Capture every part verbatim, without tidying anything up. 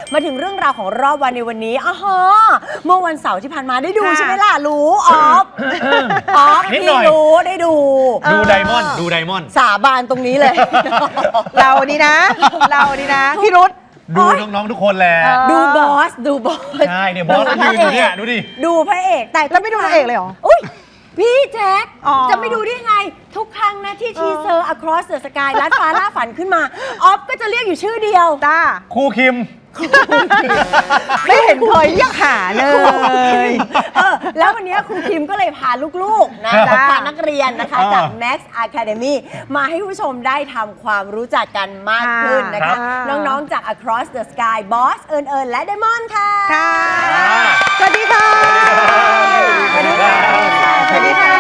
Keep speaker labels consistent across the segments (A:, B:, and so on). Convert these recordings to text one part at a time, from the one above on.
A: มาถึงเรื่องราวของรอบวันในวันนี้อ๋อเมื่อวันเสาร์ที่ผ่านมาได้ดูใช่ไหมล่ะรู้ออฟออฟพี่รู้ได้ดู
B: ดูไดมอนด์ดูไดมอนด์
A: สาบานตรงนี้เลย
C: เรานี่นะเรานี่นะพี่รุธ
B: ดูน้องๆทุกคนแหละ
A: ดูบอสดูบอส
B: ใช่เนี่ยบอสยืนอยู่เนี่ยดูดิ
A: ดูพระเอกแต่
C: แล้วไม่ดูพระเอกเลยเหรอ
A: อุ้ยพี่แจ๊คจะไม่ดูได้ไงทุกครั้งนะที่ทีเซอร์ Across the Sky ลัดฟ้าล่าฝันขึ้นมาออฟก็จะเรียกอยู่ชื่อเดียว
C: จ้า
B: ครูคิม
C: ไม่เห็นเคยเรียกหาเลย
A: เออแล้ววันนี้ครูคิมก็เลยพาลูกๆนะพานักเรียนนะคะจาก Max Academy มาให้ผู้ชมได้ทำความรู้จักกันมากขึ้นนะคะน้องๆจาก Across the Sky บอสเอิญเอิญและไดมอนด์ค่ะ
C: สวัสดีค่ะ
A: สวัสดีค่ะ
C: สวัสดีค่ะ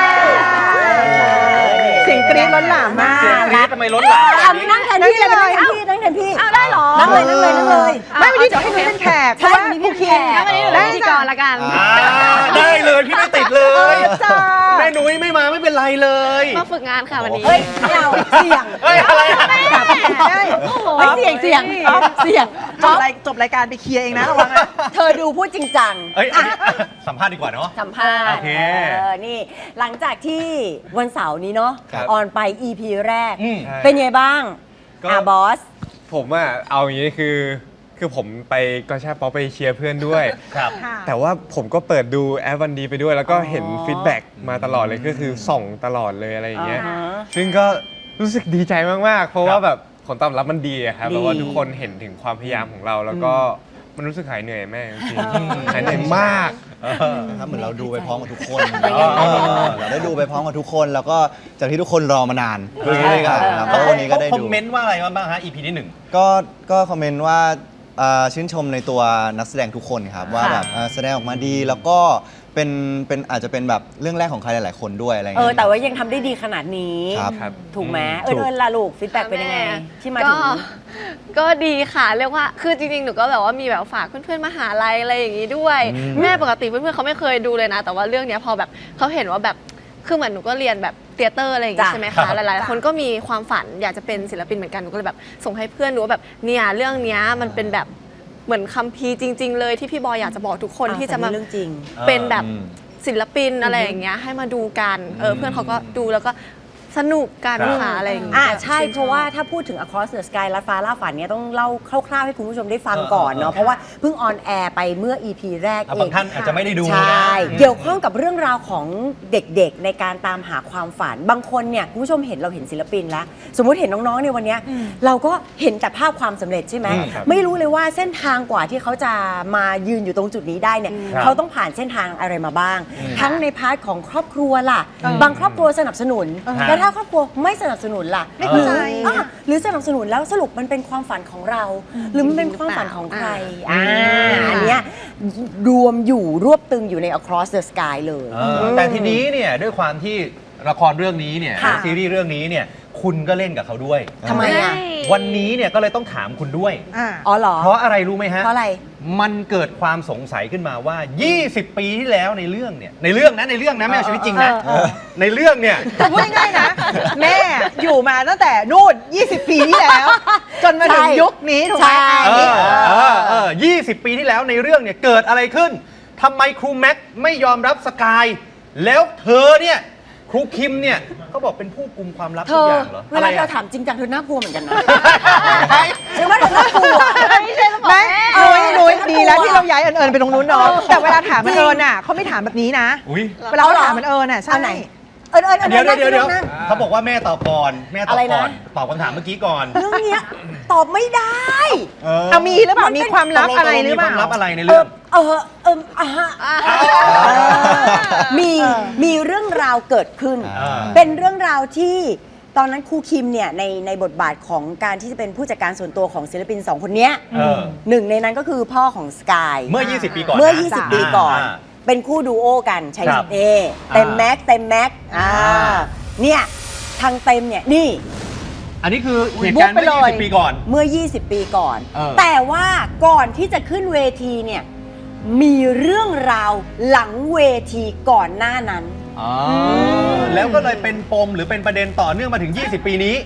C: เสียงกรี๊ดล้นหลามมาก
B: เสียงกรี๊ดทำไมล้นหลาม
A: ทำนั่งแทนพี่เลยพี่นั่งแทนพี่
C: ได้หรอ
A: นั่งเลยนั่งเลยนั่งเลย
C: ไม่วันนี้จะให้หนูเป็นแขก
A: ใช่วันนี้พี่แขก
C: วันนี้หนูเป็นพิธีกรละกัน
B: ได้เลยพี่ไม่ติดเลยแม่นุ้ยไม่มาไม่เป็นไรเลย
D: มาฝึกงานค่ะวันนี้
A: เฮ้ยไม่เอาเสี่ยง
B: เฮ้ยอะไรอะ
A: เฮ้ยเสี่ยงเสี่ยงเสี่ยง
C: จบรายจบรายการไปเคลียร์เองนะระวังนะ
A: เธอดูพูดจริงจัง
B: เอ้ยสัมภาษณ์ดีกว่าเนาะ
A: สัมภาษณ์โอเคนี่หลังจากที่วันเสาร์นี้เนาะออนไป อี พี แรกเป็นไงบ้างอ่ะบอส
E: ผมอะเอาอย่างนี้คือคือผมไปก็ใช่ป๊อปไปเชียร์เพื่อนด้วย
B: ครับ
E: แต่ว่าผมก็เปิดดูแอปวันดีไปด้วยแล้วก็เห็นฟีดแบ็กมาตลอดเลยก็คือส่องตลอดเลยอะไรอย่างเงี้ยซึ่งก็รู้สึกดีใจมากๆเพราะว่าแบบผลตอบรับมันดีครับเพราะว่าทุกคนเห็นถึงความพยายามของเราแล้วก็มันรู้สึกหายเหนื่อยแม่จริงหายเหนื่อยมาก
F: ครับเหมือนเราดูไปพร้อมกับทุกคนเราได้ดูไปพร้อมกับทุกคนแล้วก็จากที่ทุกคนรอมานานด้วยกันแล้ววันนี้ก็ได้ดู
B: คอมเมนต์ว่าอะไรบ้างฮะ อี พี ที่หนึ่ง
F: ก็ก็คอมเมนต์ว่าชื่นชมในตัวนักแสดงทุกคนครับว่าแบบแสดงออกมาดีแล้วก็เป็นเป็นอาจจะเป็นแบบเรื่องแรกของใครหลายๆคนด้วยอะไรเงี้ย
A: เออแต่ว่ายังทำได้ดีขนาดนี้
F: ครับ
A: ถูกไหมเอิญเอิญล่ะลูกฟีดแบ็กเป็นยังไงที่มาถึง
D: ก็ดีค่ะเรียกว่าคือจริงๆหนูก็แบบว่ามีแบบฝากเพื่อนๆมหาลัยอะไรอย่างงี้ด้วยแม่ปกติเพื่อนๆเขาไม่เคยดูเลยนะแต่ว่าเรื่องนี้พอแบบเขาเห็นว่าแบบคือเหมือนหนูก็เรียนแบบเตียเตอร์อะไรอย่างงี้ใช่ไหมคะหลายๆคนก็มีความฝันอยากจะเป็นศิลปินเหมือนกันหนูก็เลยแบบส่งให้เพื่อนดูว่าแบบเนี่ยเรื่องนี้มันเป็นแบบเหมือนคัมภีร์จริงๆเลยที่พี่บอยอยากจะบอกทุกคนที่จะมาเป็นแบบศิลปินอะไรอย่างเงี้ยให้มาดูกันเออเพื่อนเขาก็ดูแล้วก็สนุกกันค่ะอะไรอย่างเงี้ย
A: อ่าใช่เพราะว่าถ้าพูดถึง Across the Sky ลัดฟ้าล่าฝันเนี่ยต้องเล่าคร่าวๆให้คุณผู้ชมได้ฟังก่อนเนาะเพราะว่าเพิ่งออนแอร์ไปเมื่อ อี พี แรกเอง
B: บางท่านอาจจะไม่ได้ดู
A: ใช่เกี่ยวข้องกับเรื่องราวของเด็กๆในการตามหาความฝันบางคนเนี่ยคุณผู้ชมเห็นเราเห็นศิลปินแล้วสมมุติเห็นน้องๆในวันนี้เราก็เห็นแต่ภาพความสำเร็จใช่ไหมไม่รู้เลยว่าเส้นทางกว่าที่เขาจะมายืนอยู่ตรงจุดนี้ได้เนี่ยเขาต้องผ่านเส้นทางอะไรมาบ้างทั้งในพาร์ทของครอบครัวล่ะบางครอบครัวสนับสนุนแต่ถ้าครอบครัวไม่สนับสนุนล่ะ
C: ไม่เข้าใจ
A: หรือสนับสนุนแล้วสรุปมันเป็นความฝันของเราหรือมันเป็นความฝันของใครอ่าอันเนี้ยรวมอยู่รวบตึงอยู่ใน Across the Sky เลย
B: แต่ทีนี้เนี่ยด้วยความที่ละครเรื่องนี้เนี่ยซีรีส์เรื่องนี้เนี่ยคุณก็เล่นกับเขาด้วย
A: ทำไมอ่ะ
B: วันนี้เนี่ยก็เลยต้องถามคุณด้วย
A: อ๋อเหรอ
B: เพราะอะไรรู้ไหมฮะ
A: เพราะอะไร
B: มันเกิดความสงสัยขึ้นมาว่ายี่สิบปีที่แล้วในเรื่องเนี่ยในเรื่องนะในเรื่องนะไม่เอาชีวิตจริงนะในเรื่องเนี่ย
C: พูดง่ายๆนะแม่อยู่มาตั้งแต่นู่นยี่สิบปีที่แล้วจนมาถึงยุคนี้ถูกไหม
B: เออเออยี่สิบปีที่แล้วในเรื่องเนี่ยเกิดอะไรขึ้นทำไมครูแม็กไม่ยอมรับสกายแล้วเธอเนี่ยครูคิมเนี่ยเขาบอกเป็นผู้กุมความลับทุกอย่างเหรอ
A: เวลาเราถามจริงจังเธอน่ากลัวเหมือนกันนะใช่ไหมเธอน่ากลัว
C: ไม่ใช่ไหมนุ้ยนุ้ยดีแล้วที่เราย้ายเอิญไปตรงนู้นเนาะแต่เวลาถามมันเอิญน่ะเขาไม่ถามแบบนี้นะเวลาเขาถามมันเอิญน่ะใช่ไหม
A: เอิญเอิญ
B: เดี๋ยวเดี๋ยวเดี๋ยวเขาบอกว่าแม่ตอบก่อนแม่ตอบก่อนตอบคำถามเมื่อกี้ก่อน
A: เรื่องนี้ตอบไม่ได้
C: เอามีหรือเปล่ามีความลับอะไรหรือเปล่า
B: มีความลับอะไรในเรื่อง
A: เออเอออ่ะมีมีเรื่องราวเกิดขึ้นเป็นเรื่องราวที่ตอนนั้นครูคิมเนี่ยในในบทบาทของการที่จะเป็นผู้จัดการส่วนตัวของศิลปินสองคนนี้หนึ่งในนั้นก็คือพ่อของสกาย
B: เมื่อยี่สิบปีก่อน
A: เมื่อยี่สิบปีก่อนเป็นคู่ดูโอกันชัยเอเต็มแม็กเต็มแม็กอ่าเนี่ยทางเต็มเนี่ยนี่
B: อันนี้คือเหตุการณ์เมื่อยี่สิบปีก่อน
A: เมื่อยี่สิบปีก่อนแต่ว่าก่อนที่จะขึ้นเวทีเนี่ยมีเรื่องราวหลังเวทีก่อนหน้านั้น
B: แล้วก็เลยเป็นปมหรือเป็นประเด็นต่อเนื่องมาถึงยี่สิบปีนี้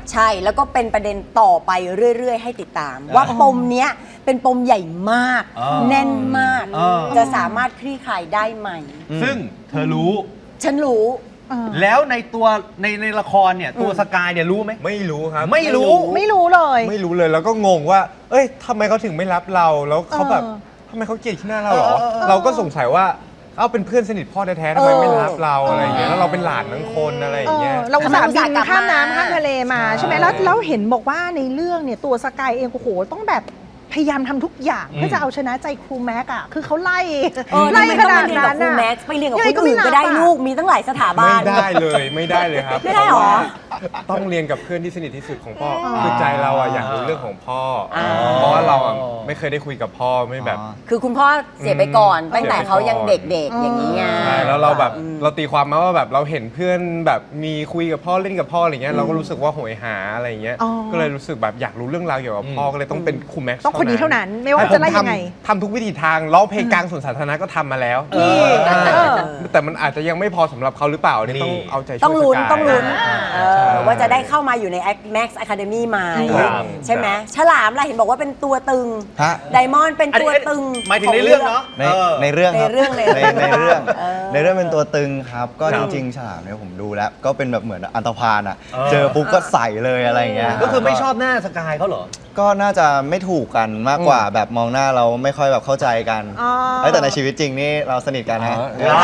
A: ใช่แล้วก็เป็นประเด็นต่อไปเรื่อย ๆ ให้ติดตาม ว่าปมเนี้ยเป็นปมใหญ่มาก
B: อ่า
A: แน่นมาก
B: อ่า
A: จะสามารถคลี่คลายได้ไหม
B: ซึ่งเธอรู้
A: ฉันรู้
B: แล้วในตัวในในละครเนี่ยตัวสกายเนี่ยรู้ไหม
E: ไม่รู้ครับ
B: ไม่รู้
C: ไม่รู้เลย
E: ไม่รู้เลยแล้วก็งงว่า เอ้ยทำไมเขาถึงไม่รับเราแล้วเขาแบบ
C: เออ
E: ทำไมเขาเกลียดขี้หน้าเราเหรอ
B: เออเออเออ
E: เราก็สงสัยว่าเอ้าเป็นเพื่อนสนิทพ่อแท้ๆทำไมไม่รับเราอะไรอย่างเงี้ยแล้วเราเป็นหลานทั้งคนอะไรอย่างเงี้ย
C: เออเราอุตส่าห์บินข้ามน้ำข้ามทะเลมา
E: ใช่
C: ใช่ไหมแล้วแล้วเห็นบอกว่าในเรื่องเนี่ยตัวสกายเองโอ้โหต้องแบบพยายามทำทุกอย่างเพื่อจะเอาชนะใจครูแม็กอะคือเขาไล่
A: เออ
C: ไล่
A: ทำไม
C: ข
A: ต้อง
C: นา
A: มา
C: ด
A: เรียนกับ
C: นั้น
A: ครู
C: อะ
A: แม็กซ์ไปเรียนกับ
C: ยัง
A: ค
C: ไง
A: น
C: ก็ไม่
A: อื่นก็ได้
C: นับอะ
A: ลูกมีตั้งหลายสถาบั
E: ไม่
A: น
E: ได้เลยไม่ได้เลยครับ
A: ไม่ได้หรอ
E: เพาะว่าต้องเรียนกับเพื่อนที่สนิทที่สุดของพ่ออคือใจเราอะอยากรู้เรื่องของพ่ออ
A: อ
E: เพราะว่าเราอะไม่เคยได้คุยกับพ่อไม่แบบ
A: คือคุณพ่อเสียไปก่อน
E: อืม
A: ตั้งแต่เขายังเด็กๆ อย่างนี้ไง
E: ใช่แล้วเราแบบเราตีความมาว่าแบบเราเห็นเพื่อนแบบมีคุยกับพ่อเล่นกับพ่ออะไรเงี้ยเราก็รู้สึกว่าโหยหาอะไรเงี้ย
C: อ๋อ
E: ก็เลยรู้สึกแบบอยากรู้เรื่องราวเกี่ยวกับพ่อก็เลยต้องเป็นครูแม็กซ์
C: ต้องคนนี้เท่านั้นไม่ว่า
E: ให้
C: จะไล่ยังไง
E: ผมทำทำทุกวิธีทางร้องเพลงกลางสวนสาธารณะก็ทำมาแล้ว
C: นี่
E: อ่า
C: เออ
E: แต่มันอาจจะยังไม่พอสำหรับเขาหรือเปล่าอันนี่ต้องเอาใจช่วย
A: ต้องลุ้น
E: สกาย
A: ต้องลุ้น
E: อ่า
A: เออว่าจะได้เข้ามาอยู่ใน Max Academy ไหม
E: ครับ
A: ใช่ไหมฉลามล่ะเห็นบอกว่าเป็นตัวตึง
F: ฮะ
A: ไดมอนด์เป็น
B: อัน
A: ตัว
B: นี้
A: ตึง
B: หมายถึงในเรื่องเนาะ
F: ใน
B: เออ
F: ในเรื่องครับ
A: ในเรื่องใน
F: ในในเรื่อง
A: เออ
F: ในเรื่องเป็นตัวตึงครับ ก็
B: ครั
F: จ
B: บ
F: ริงๆฉลามเนี่ยผมดูแล้ว ก็เป็นแบบเหมือนอันตพาลอ่ะ
B: เออ
F: เจอปุ๊บก็ใส่เลยอะไรอย่างเงี้ย
B: ก็คือไม่ชอบหน้าสกายเขาเหรอ
F: ก็น่าจะไม่ถูกกันมากกว่าแบบมองหน้าเราไม่ค่อยแบบเข้าใจกัน
C: อ๋อ
F: เอ้ยแต่ในชีวิตจริงนี่เราสนิทกันฮะ
E: อ๋อ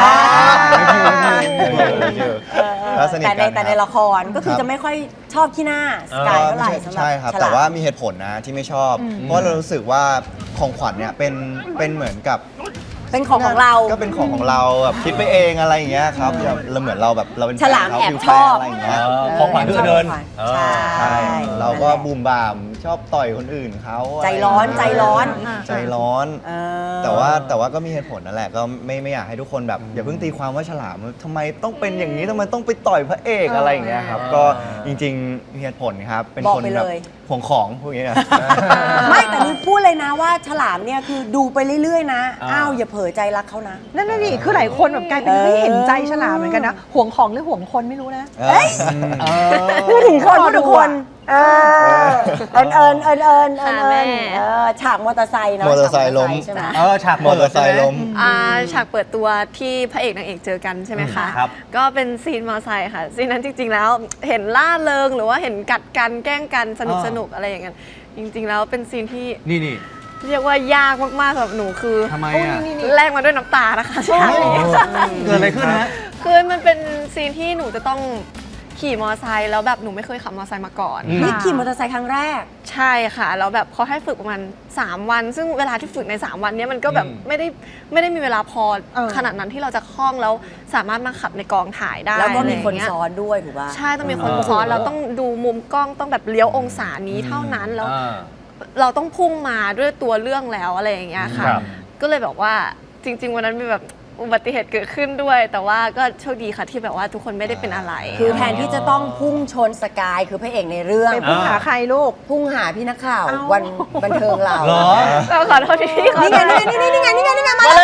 F: เราสนิท
A: แต่
F: กั
A: ใน
F: น
A: แต่ใน
F: ครับ
A: ละครก็คือ
F: ครับ
A: จะไม่ค่อยชอบขี้หน้าสกายเท่าไหร่สำหรับ
F: ใช่ครับ
A: ฉลม
F: แต่ว่ามีเหตุผลนะที่ไม่ชอบ เพราะเรารู้สึกว่าของขวัญเนี่ยเป็นเป็นเหมือนกับ
A: เป็นของของเรา
F: ก็เป็นของของเราแบบคิดไปเองอะไรอย่างเงี้ยครับแบบเราเหมือนเราแบบเราเป็น
A: ฉลาม
F: ฟนเข
A: แอบ
F: ฟิล
A: ชอบ
F: แฟนอะไรอย่างเงี้ย
B: เออของขวัญคือเดิน
A: ใช่
F: ใช่เราก็
A: นั่นแหละ
F: บูมบามชอบต่อยคนอื่นเขา
A: ใจร้อนใจร้อน
F: ใจร้อน
A: เออ
F: แต่ว่าแต่ว่าก็มีเหตุผลนั่นแหละก็ไม่ไม่อยากให้ทุกคนแบบอย่าเพิ่งตีความว่าฉลามทำไมต้องเป็นอย่างนี้ทำไมต้องไปต่อยพระเอกอะไรอย่างเงี้ยครับก็จริงๆมีเหตุผลครับเป็น
A: บอก
F: คน
A: ไป
F: แบบ
A: เลย
F: ห่วงของพวกนี้นะ
A: ไม่แต่นี่พูดเลยนะว่าฉลามเนี่ยคือดูไปเรื่อยๆนะ
B: อ่า
A: อ้าวอย่าเผลอใจรักเขานะ
C: นั่นน่ะดิคือหลายคนแบบกลายเป็น
A: เออ
C: เฮ้ยเห็นใจฉลามเหมือนกันนะห่วงของหรือห่วงคนไม่รู้นะ
F: เอ้ย
A: พูดถึงคนพูดถึงคนเออเอิญเอิญเอิญเอิญเอิญ
D: ค่ะแม่
A: เออฉากมอเตอร์ไซค์เนาะ
F: มอเตอร์ไซค์ล้ม
A: ฉากมอเตอร์ไซค์ใช่ไหม
B: เออฉาก
F: มอเตอร์ไซค์ล้ม
D: อ่าฉากเปิดตัวที่พระเอกนางเอกเจอกันใช่ไหมคะ
B: ครับ
D: ก็เป็นซีนมอเตอร์ไซค์ค่ะซีนนั้นจริง ๆ แล้วเห็นล่าเริงหรือว่าเห็นกัดกันแกล้งกันสนุกสนุกอะไรอย่างเงี้ยจริง ๆ แล้วเป็นซีนที่
B: นี่นี่
D: เรียกว่ายากมากๆสำหรับหนูคือ
B: ทำไมอ่ะ
D: แลกมาด้วยน้ำตานะคะฉากนี้
B: เกิดอะไรขึ้นฮะ
D: คือมันเป็นซีนที่หนูจะต้องขี่มอเตอร์ไซค์แล้วแบบหนูไม่เคยขับมอเตอร์ไซค์มาก่อน
B: อืม
A: นี่ขี่มอเตอร์ไซค์ครั้งแรก
D: ใช่ค่ะแล้วแบบเขาให้ฝึกประมาณสามวัน ซึ่งเวลาที่ฝึกในสามวันเนี้ยมันก็แบบ
B: อืม
D: ไม่ได้ไม่ได้มีเวลาพอ
C: เออ
D: ขนาดนั้นที่เราจะคล่องแล้วสามารถมาขับในกองถ่ายได้
A: แล้วก็มีคน
D: ะไรย่างเงี้ย
A: ซ้อนด้วยถูกป่ะ
D: ใช่ต้องมีคน
B: เออ
D: ซ้อนเราต้องดูมุมกล้องต้องแบบเลี้ยวองศานี้เท่านั้นแล้ว
B: อ่า
D: เราต้องพุ่งมาด้วยตัวเรื่องแล้วอะไรอย่างเงี้ยค่ะ
B: ครับ
D: ก็เลยแบบว่าจริง ๆ วันนั้นมีแบบอุบัติเหตุเกิดขึ้นด้วย แต่ว่าก็โชคดีค่ะที่แบบว่าทุกคนไม่ได้เป็นอะไร
A: คือแทนที่จะต้องพุ่งชนสกายคือพระเอกในเรื่อง
C: ไปพุ่งหาใครลูก
A: พุ่งหาพี่นักข่าว
C: เอ้า
A: วันบันเทิงเรา
B: เหรอ
D: เราขอโทษที่ขอ
A: นี่
D: โท
A: ไง
D: ษ
A: นี่ไงนี่ไงนี่ไงนี่ไงนี่ไงมา
B: มา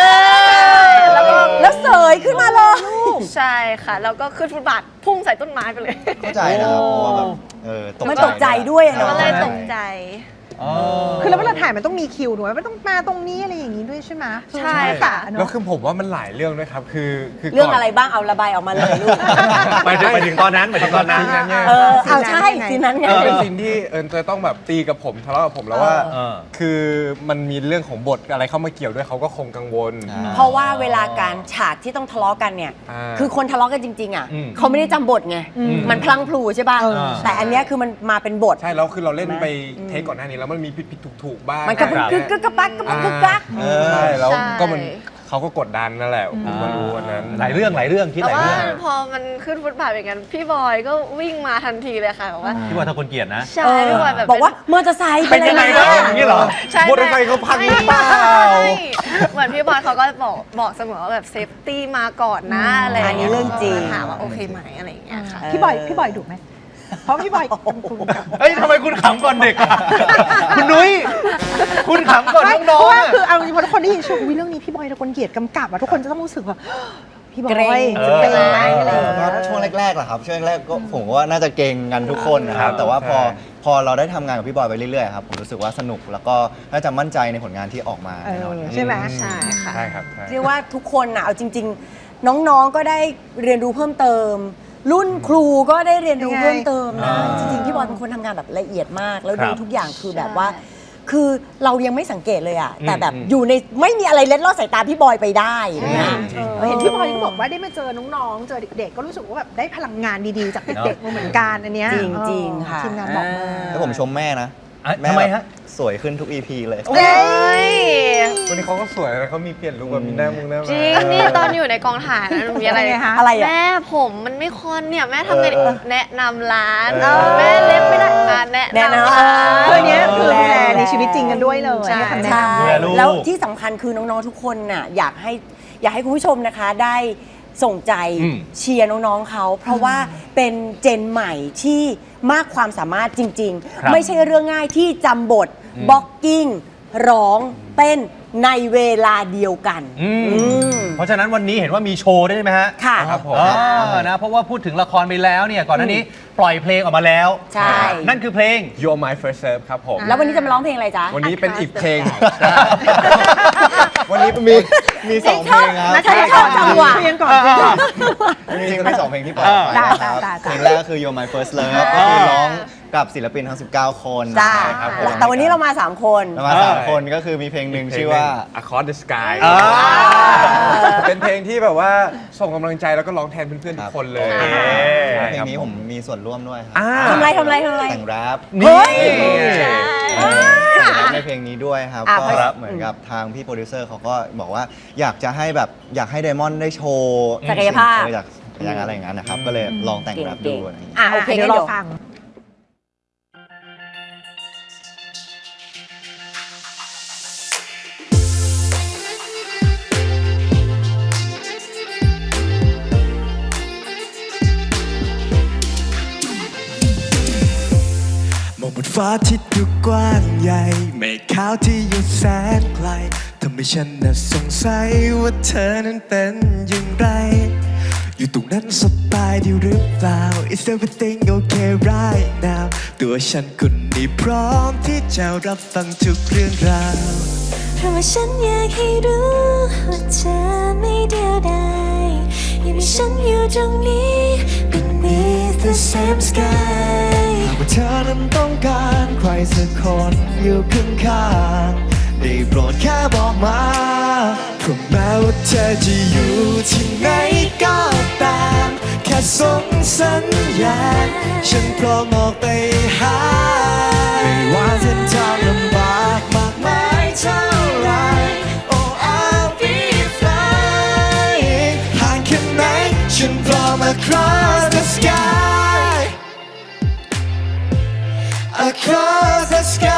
A: เล
B: เลย ย
A: แล้วก็แล้วเสยขึ้นมาเลย
D: ใช่ค่ะ แล้วก็ขึ้นฟุตบาทพุ่งใส่ต้นไม้ไปเลย
F: เข้าใจนะครับเพราะว่าแบบเออตก
A: มัน
F: ใจ
A: ตกใจด้วยอะ
D: ก็
A: เนาะ
D: เลยตกใจ
C: คือแล้วเวลาถ่ายมันต้องมีคิวถูกไหมมันต้องมาตรงนี้อะไรอย่างนี้ด้วยใช่ไหม
D: ใช่ค่ะ
C: เน
E: แล้ว
C: อะ
E: คือผมว่ามันหลายเรื่องด้วยครับ คือคือ
A: เรื่อง
E: ก่น
A: อะไรบ้างเอาระบายออกมาเลยลูก
B: ไปถึงไปถึงตอนนั้นไปถึงตอนนั้น
E: ซีนั้นเนี่ย
A: เออเอาใช่ซีนนั้นไง
E: มันเป็นซีนที่เอิญจะต้องแบบตีกับผมทะเลาะกับผมแล้วว่า
B: เออ
E: คือมันมีเรื่องของบทอะไรเข้ามาเกี่ยวด้วยเขาก็คงกังวล
F: อ่า
A: เพราะว่าเวลาการฉากที่ต้องทะเลาะกันเนี่ย
E: อ่า
A: คือคนทะเลาะกันจริง ๆ อ่ะ
B: อืม
A: เขาไม่ได้จำบทไง มันพลังพลูใช่ป่ะ
C: เออ
A: แต่อันเนี้ยคือมันมาเป็นบท
E: ใช่แล้วคือเราเล่นไปเทคก่อนหน้านี้แล้วมันมีผิดผิดถูกถูกๆบ้าง
A: มันก็
B: ครับ
A: กึกกึกกระปักกระปักกึกกัก
F: เออ
E: ใช่แล้ว
D: ใช่
E: ก็มันเขาก็กดดันนั่นแหละผมก็รู้วันนั้น
B: หลายเรื่องหลายเรื่องคิด
D: แต่
B: หลาย
D: ว่า
B: เรื่อง
D: พอมันขึ้นฟุตบาทอย่างนั้นพี่บอยก็วิ่งมาทันทีเลยค่ะบอกว่า
B: พี่ว่าถ้าคนเกลียดนะ
D: ใช่พี่บอยแบบ
A: บอกว่ามอเตอร์ไซค์
B: เป็นยังไง
A: อะ
B: ค
A: ร
B: รับอย่างนี้เหรอ
D: ใช่
E: มอเตอร์ไซค์เขาพังหรือเปล่า
D: ไม่เหมือนพี่บอยเขาก็บอกบอกเสมอว่าแบบเซฟตี้มาก่อนนะอะไร
A: อันนี้เรื่องจริง
D: ถามว่าโอเคไหมอะไรอย่างเงี้ยค่ะ
C: พี่บอยพี่บอยดุไหมเพราะพี่บอยเป็นคุณกับ
B: เฮ้ยทำไมคุณขำก่อนเด็กอะคุณนุ้ย คุณขำก่อน
C: ไม่เพ
B: น้อง
C: ราะ
B: ๆ
C: ว่า
B: อะ
C: คือเอาจริงๆพอทุกคนได้ยินชื่อวิเรื่องนี้พี่บอยตะคนเกียรติกำกับอะทุกคนจะต้องรู้สึกว่าพี่บอ
A: เกรง
C: ย
B: เอ
C: จะ
B: อ
C: เป็นไหมอะไรอย่าง
F: ก็
C: เงี้ย
F: ช่วงแรกๆแหละครับช่วงแรกๆก็ผมว่าน่าจะเก่งกันทุกคนนะครับ แต่ว่าพอ
E: ใช่
F: พอเราได้ทำงานกับพี่บอยไปเรื่อยๆครับผมรู้สึกว่าสนุกแล้วก็น่าจะมั่นใจในผลงานที่ออกมา
C: เอ
F: แน่นอน
C: อ
F: ครับ
C: ใช่ไหม
D: ใช่ค่ะ
E: ใช่ครับใช่
A: เรียกว่าทุกคนน่ะเอาจริง ๆ น้องๆก็ได้เรียนรู้เพิ่มเติม รุ่นครูก็ได้เรียนรู้เพิ่มเติมนะ
B: อ่า
A: จริงๆพี่บอยเป็นคนทำงานแบบละเอียดมาก แล้ว
B: ครั
A: ดู
B: บ
A: ทุกอย่างคือแบบว่า คือเรายังไม่สังเกตเลยอะแต่แบบ
B: อืม
A: อยู่ในไม่มีอะไรเล็ดลอดสายตาพี่บอยไปได้อย่างเงี้ย
C: เออเห็นพี่บอยก็บอกว่าได้มาเจอน้องๆ เจอเด็กๆ ก็รู้สึกว่าแบบได้พลังงานดีๆ จากเด็กๆมาเหมือนกันอันเนี้ย
A: จริงๆ
C: เออ
A: ค่ะ
C: ทีมงานบอกมา
F: แล้วผมชมแม่นะ
B: อ่ะ
F: แม่
B: ทำไม
F: แบบ
B: ฮะ
F: สวยขึ้นทุก อี พี เลย
D: เอ้ย
E: วันนี้เขาก็สวยนะเขามีเปลี่ยนลุคแบบมีหน้ามุงหน้า
D: จ
E: มา
D: ริงนี่ตอนอยู่ในกองถ่ายนะหนูมีอะไร
C: เป็นไงคะ
A: อะไรอะ
D: แม่ผมมันไม่คอนเนี่ยแม่ทำไงดี
F: เออ
D: แนะนำร้าน
F: เออ
D: แม่เล็บไม่ได้อ่ะแนะ
A: แนะนำ
D: นำร้าน
C: คือเนี้ยคือดูแลในชีวิตจริงกันด้วยเลย
D: ใช่
C: ให้คำแนะ
A: ใช่
C: นำ
B: ดูแลลูก
A: แล้วที่สำคัญคือน้องๆทุกคนน่ะอยากให้อยากให้คุณผู้ชมนะคะได้ส่งใจ
B: อืม
A: เชียร์น้องๆเขา เพราะว่าเป็นเจนใหม่ที่มากความสามารถจริง
B: ครับ
A: ๆ ไม่ใช่เรื่องง่ายที่จำบทบ็อกกิ้งร้องเต้นในเวลาเดียวกัน
B: อืม
A: อืม
B: เพราะฉะนั้นวันนี้เห็นว่ามีโชว์ด้วยใช่ไหมฮะ
A: ค่ะ
E: ครับผม
B: อ๋อนะเพราะว่าพูดถึงละครไปแล้วเนี่ยก่อนหน้านี้ปล่อยเพลงออกมาแล้ว
A: ใช่
B: นั่นคือเพลง
E: You're My First Serve ครับผม
A: แล้ววันนี้จะมาร้องเพลงอะไรจ๊ะ
E: วันนี้เป็นอีกเพลง
F: วันนี้มีมีสองเพลงครับ
A: นะชอบชอบจังหวะ
C: คุยกันก่อน
F: จริงๆมีสองเพลงที่ปล่อยออกไปนะครับ
C: ได้ได้ได้
F: เพลงแรกก็คือ You're My First Love ก็คือร้องกับศิลปินทั้ง สิบเก้า คน
A: จ้า
F: ครับผม
A: แต่วันนี้เรามา 3 คน
F: เรามาสามคนก็คือมีเพลงหนึ่งชื่อว่า
E: Across the Sky
B: อ่า
E: เป็นเพลงที่แบบว่าส่งกำลังใจแล้วก็ร้องแทนเพื่อนๆทุกคนเลย
B: โอเค
E: ใช่
F: เพล
E: ค
F: ง
E: รับ
F: นี้ผมมีส่วนร่วมด้วยครับ
E: อ่า
A: ทำไรทำไรทำไร
F: แต่งแรป
A: เฮ้ย
F: แต่งแรปในเพลงนี้ด้วยครับ
A: อ่ะ
F: ก็
A: ครับ
F: เหมือนกับทางพี่โปรดิวเซอร์เขาก็บอกว่าอยากจะให้แบบอยากให้ไดมอนด์ได้โชว์
A: ศักยภาพ
F: เอออยากอยากอะไรอย่างนั้นนะครับ ก็เลยลองแต่งแรปดูอะไรอย่างเงี้ย
A: อ่ะโอเค
C: เดี๋
A: งั้
C: ย
A: น
C: วร
A: เดี๋
C: อ
A: ยว
C: ฟัง
G: มองบนฟ้าที่ดูกว้างใหญ่เมฆขาวที่อยู่แสนไกลทำให้ฉันน่ะสงสัยว่าเธอนั้นเป็นอย่างไร อยู่ตรงนั้นสบายดีหรือเปล่า Is everything okay right now ตัวฉันคนนี้พร้อมที่จะรับฟังทุกเรื่องราว
H: เพราะว่าฉันอยากให้รู้ว่าเธอไม่เดียวดายยังมีฉันอยู่ตรงนี้ beneath the same sky
G: หากว่าเธอนั้นต้องการใครสักคนอยู่ข้างๆได้โปรดแค่บอกมาเพราะแม้ว่าเธอจะอยู่ที่ไหนก็ตามแค่ส่งสัญญาณฉันพร้อมออกไปหาไม่ว่าเส้นทางลำบากมากมายเท่าไร Oh I'll be flying ห่างแค่ไหนฉันพร้อม across the sky across the sky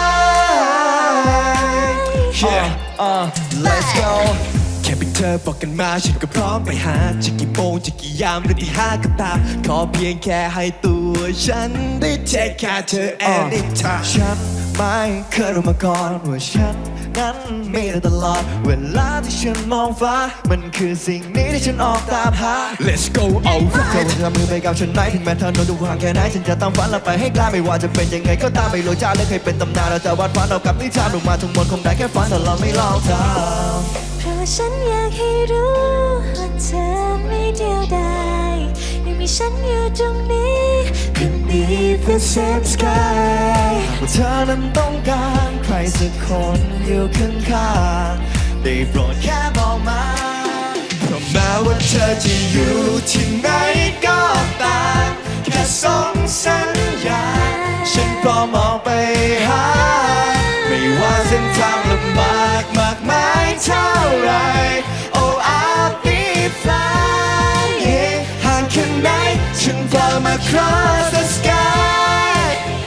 G: yeah uh let's go แค่เพียงเธอบอกกันมาฉันก็พร้อมไปหาจะกี่โมงจะกี่ยามหรือที่ห้าก็ตามขอเพียงแค่ให้ตัวฉันได้ take care เธอ anytime ฉันไม่เคยรู้มาก่อนว่าฉันนั้นมีได้ตลอดเวลาที่ฉันมองฟ้ามันคือสิ่งนี้ที่ฉันออกตามหา let's go over เธอจะทำมือไปกับฉันไหมถึงแม้เธอโน้นดูห่างแค่ไหนฉันจะตามฝันและไปให้ไกลไม่ว่าจะเป็นยังไงก็ตามไม่รู้จ้าและเคยเป็นตำนานเราจะวาดฝันเอากับนิทานลงมาทั้งหมดคงได้แค่ฝันแต่เราไม่ลองทำ
H: เพราะว่าฉันอยากให้รู้ว่าเธอไม่เดียวดายยังมีฉันอยู่ตรงนี้ beneath the same sky
G: ว่าเธอนั้นต้องการใครสักคนอยู่ข้างๆได้โปรดแค่บอกมาเพราะแม้ว่าเธอจะอยู่ที่ไหนก็ตามแค่ส่งสัญญาณฉันพร้อมออกไปหาไม่ว่าเส้นทางลำบากมากมายเท่าไร Oh I'll be flying ห่างแค่ไหนฉันพร้อม across the sky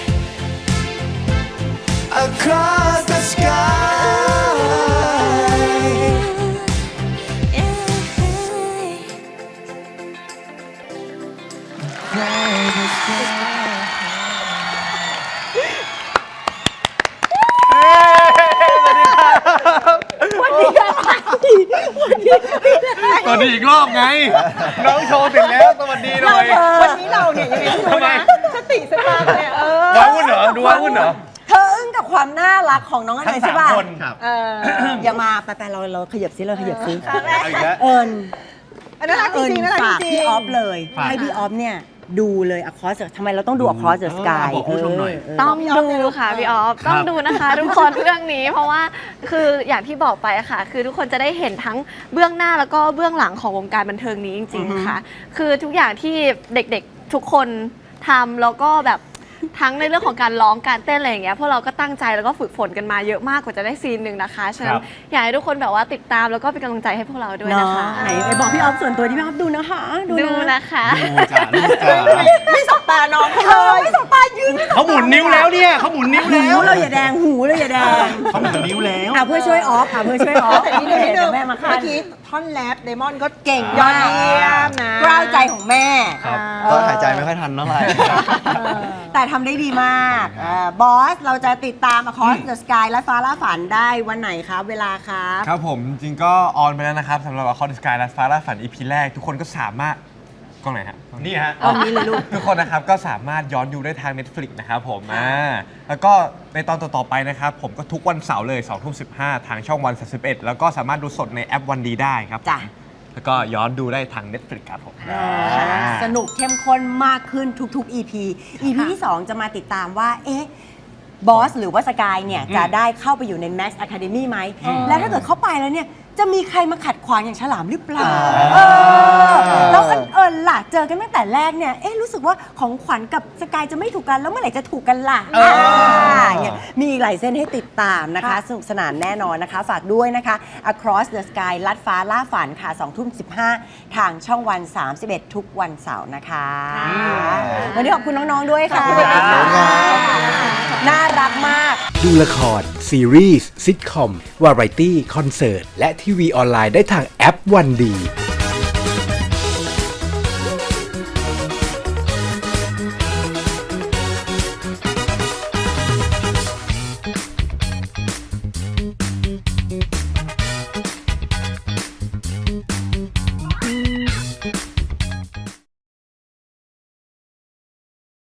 G: across the sky
B: สวัสดีอีกรอบไง น้องโชว์เสร็จแล้วสวัสดีหน่อย
C: วันนี้เราเนี่ยยังไงไม่รู้นะสติสตางค์เนี่ยเออ
B: ว้าวุ่นเหรอ ดูว้าวุ่นเหรอ
A: เธออึ้งกับความน่ารักของน้องอัน
B: ทั้
A: ไหน
B: ง
A: ใช่
B: สาม
A: ป่ะ
B: คน
C: เออ
A: อย่ามาไปไปเราเราขยับซิเราขยับซิ
B: เอาอีกแล้ว
A: เอิญ
C: อันนั้นรักจ
A: เอิญ
C: ริงๆนะรัก
A: ฝาก
C: จริ
A: พี่
C: ง
A: ออฟเลย
B: ฝาก
A: ให้พี่ออฟเนี่ยดูเลย Across the ทำไมเราต้องดู Across the Sky
B: บอกผู้ชมหน่อย
A: เออ
D: ต้องดูค่ะพี่ออฟ
B: ครับ
D: ต้องดูนะคะ ทุกคนเรื่องนี้ เพราะว่าคืออย่างที่บอกไปอะค่ะ คือทุกคนจะได้เห็นทั้งเบื้องหน้าแล้วก็เบื้องหลังของวงการบันเทิงนี้จริง ๆ ค่ะ คือทุกอย่างที่เด็กๆทุกคนทำแล้วก็แบบทั้งในเรื่องของการร้องการเต้นอะไรอย่างเงี้ยพวกเราก็ตั้งใจแล้วก็ฝึกฝนกันมาเยอะมากกว่าจะได้ซีนหนึ่งนะคะฉะนั้
B: ครั
D: น
B: บ
D: อยากให้ทุกคนแบบว่าติดตามแล้วก็เป็นกำลังใจให้พวกเราด้วย
A: เนาะ
D: นะคะ
A: ไหนไปบอกพี่ออฟส่วนตัวที่พี่ออฟดูนะคะ
D: ดูนะคะ
B: ดูจ้าดูจ้า
C: ไม่สบตาน้องเขา
A: เอ
C: เล
A: อย ไม่สบตายืนไม่สบตา
B: เขาหมุนนิ้วแล้วเนี่ยเขาหมุนนิ้ว
A: หู
B: แล้ว
A: เราอย่าแดงหูเราอย่าแดง
B: เขาหมุนนิ้วแล้ว
A: อ่ะเพื่อช่วยออฟค่ะเพื่อช่วยออฟ
C: แต่นี่นิดนึ
A: เดี๋ย
C: ง
A: วแม่มาคั
C: เมื่
A: น
C: อกี้ท่อนแรปเดมอนก็
A: เก่ง
C: ยอด
A: มาก
C: เยี่ยมนะ
A: กล้าวใจของแม่
B: ครับ
F: ก็หายใจไม่ค่อยทันเท่าไหร่
A: แต่ทำได้ดีมากบอส เราจะติดตาม Across the Sky และฟ้าล่าฝันได้วันไหนครับ เวลาครับ
E: ครับผมจริงๆก็ออนไปแล้วนะครับสำหรับ Across the Sky และฟ้าล่าฝัน อี พี แรก ทุกคนก็สามารถกล้องไหนฮะ
B: นี่ฮะ
A: ตอนนี้เลยลูก
E: ทุกคนนะครับก็สามารถย้อนดูได้ทาง Netflix นะครับผมอ่าแล้วก็ในตอนต่อๆไปนะครับ ผมก็ทุกวันเสาร์เลยสองทุ่มสิบห้าทางช่องวันสามสิบเอ็ดแล้วก็สามารถดูสดในแอปวันดีได้ครับ
A: จ้ะ
E: แล้วก็ย้อนดูได้ทาง Netflix ครับผม
A: สนุกเข้มข้นมากขึ้นทุกๆ อี พี อี พี ที่ สอง จะมาติดตามว่า เอ๊ะ บอส หรือว่าสกายเนี่ย จะได้เข้าไปอยู่ใน Max Academy ไหม แล้วถ้าเกิดเข้าไปแล้วเนี่ย จะมีใครมาขัดขวางอย่างฉลามหรือเปล่าเออแล้วเอิญเอิญล่ะ เจอกันตั้งแต่แรกเนี่ย เอ๊ะ รู้สึกว่าของขวัญกับสกายจะไม่ถูกกัน แล้วเมื่อไหร่จะถูกกันล่ะ
B: เอออ่
A: าเนี่ยมีอีกหลายเส้นให้ติดตามนะคะ สนุกสนานแน่นอนนะคะ ฝากด้วยนะคะ Across the Sky ลัดฟ้าล่าฝันค่ะสองทุ่มสิบห้าทางช่องวัน สามสิบเอ็ด ทุกวันเสาร์นะคะ วันนี้ขอบคุณน้อง ๆ ด้วยค่ะ
B: ขอบคุณครับ
A: น่ารักมาก
I: ดูละคร ซีรีส์ซิทคอม วาไรตี้ คอนเสิร์ต และทีวีออนไลน์ได้ทางแอปวันดี